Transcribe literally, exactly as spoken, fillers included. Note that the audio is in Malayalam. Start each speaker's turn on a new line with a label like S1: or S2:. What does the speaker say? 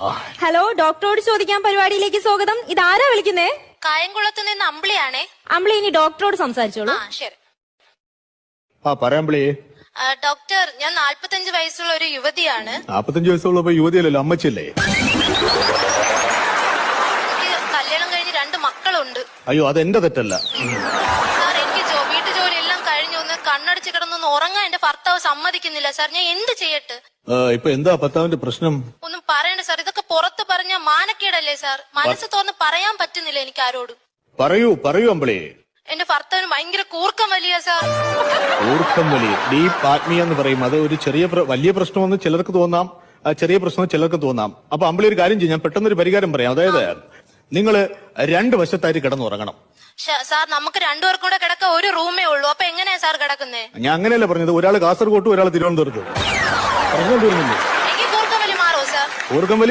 S1: ഹലോ, ഡോക്ടറോട് ചോദിക്കാൻ പരിപാടിയിലേക്ക് സ്വാഗതം. ഇതാരാ വിളിക്കുന്നേ?
S2: കായംകുളത്ത് നിന്ന് അമ്പിളിയാണേ.
S1: അമ്പിളി, ഇനി ഡോക്ടറോട് സംസാരിച്ചോളൂ.
S2: ആ ശരി.
S3: ആ പറയാമ്പിളി.
S2: ഡോക്ടർ, ഞാൻ നാല്പത്തഞ്ച് വയസ്സുള്ള ഒരു യുവതിയാണ്.
S3: നാപ്പത്തഞ്ച് വയസ്സുള്ളപ്പോ യുവതിയല്ലല്ലോ, അമ്മച്ചല്ലേ?
S2: എനിക്ക് കല്യാണം കഴിഞ്ഞ് രണ്ട് മക്കളുണ്ട്.
S3: അയ്യോ, അതെന്റെ തെറ്റല്ല.
S2: സാർ, എനിക്ക് ജോ വീട്ടു ജോലി എല്ലാം കഴിഞ്ഞു. ഒന്ന് കണ്ണടിച്ച് കിടന്നൊന്ന് ഉറങ്ങാൻ എന്റെ ഭർത്താവ് സമ്മതിക്കുന്നില്ല സാർ. ഞാൻ എന്ത് ചെയ്യട്ടെ?
S3: ഇപ്പൊ എന്താ ഭർത്താവിന്റെ പ്രശ്നം?
S2: ഒന്നും പറയണ്ട സാർ. ഇതൊക്കെ പുറത്ത് പറഞ്ഞ മാനക്കേടല്ലേ സാർ? മനസ്സ് തുറന്ന് പറയാൻ പറ്റുന്നില്ല എനിക്ക് ആരോടും.
S3: പറയൂ പറയൂ അമ്പിളി.
S2: എന്റെ ഭർത്താവിന് ഭയങ്കര കൂർക്കം വലിയ സാർ.
S3: കൂർക്കം വലി, ഡീപ് ആത്മീയ എന്ന് പറയും. അത് ഒരു ചെറിയ വലിയ പ്രശ്നമെന്ന് ചിലർക്ക് തോന്നാം, ചെറിയ പ്രശ്നം ചിലർക്ക് തോന്നാം. അപ്പൊ അമ്പിളി ഒരു കാര്യം ചെയ്യും, ഞാൻ പെട്ടെന്നൊരു പരിഹാരം പറയാം. അതായത് നിങ്ങള് രണ്ട് വശത്തായിട്ട് കിടന്നുറങ്ങണം.
S2: സാർ, നമുക്ക് രണ്ടുപേർക്കും കൂടെ കിടക്ക ഒരു റൂമേ ഉള്ളൂ. അപ്പൊ എങ്ങനെയാ സാർ കിടക്കുന്നേ?
S3: ഞാൻ അങ്ങനെയല്ല പറഞ്ഞത്. ഒരാൾ കാസർഗോട്ടും ഒരാൾ തിരുവനന്തപുരത്തും. പ്രശ്നം തീർന്നില്ലേ?
S2: എനിക്ക് കൂർക്കം വലി മാറോ സാർ?
S3: കൂർക്കം വലി